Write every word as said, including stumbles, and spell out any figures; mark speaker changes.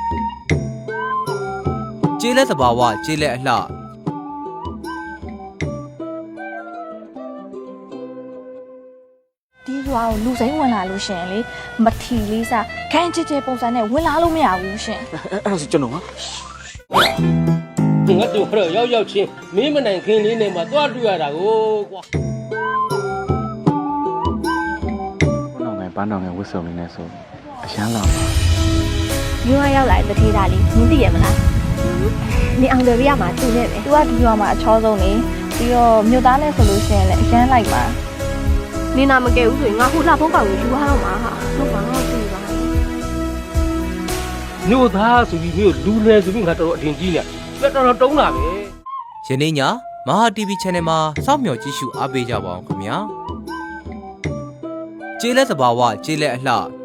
Speaker 1: ကျေးလက်သဘာဝကျေးလက်အလှ
Speaker 2: ဒီရွာကိုလူစိမ်းဝင်လာလို့ရှင်လေမထီလေးစားခန်းချစ်ချစ်ပုံစံနဲ့ဝင်လာလို့မရဘူးရှင်
Speaker 3: အဲ့ဒါဆိုကျွန်တော်က
Speaker 4: ငါတို့တော့ရောက်ရောက်ချင်းမင်းမနိုင်ခင်းလေးနဲ့မှသွားတွေ့ရတာကိုကွာ
Speaker 3: ဘုန်းတော်ငယ်ဘန်းတော်ငယ်ဝတ်စုံလေးနဲ့ဆိုအရန်လာ
Speaker 2: ရွာရောက်လာတဲ့တထေးသားလေးနင်းသိရမလားနင်အောင်တယ်ရမှာသူ့နဲ့ပဲသူကဒီရွာမှာအချောဆုံးနေပြီးတော့မြို့သားနဲ့ဆိုလို့ရှင်လေအရန်လိုက်ပါ
Speaker 5: နေနာမကဲဘူးဆိုရင်ငါဟိုလှဖုံးကောင်ကိုယူရတော့မှာဟာဟုတ်ပါတော့ပြီပါ
Speaker 4: မြို့သားဆိုပြီးမြို့လူလဲဆိုပြီးငါတော်တော်အထင်ကြီးနေပြတော်တော်တုံးလာပဲ
Speaker 1: ယနေ့ညမဟာ တီဗီ Channel မှာစောင့်မျှော်ကြည့်ရှုအားပေးကြပါအောင်ခင်ဗျာကျေးလက်သဘာဝကျေးလက်အလှ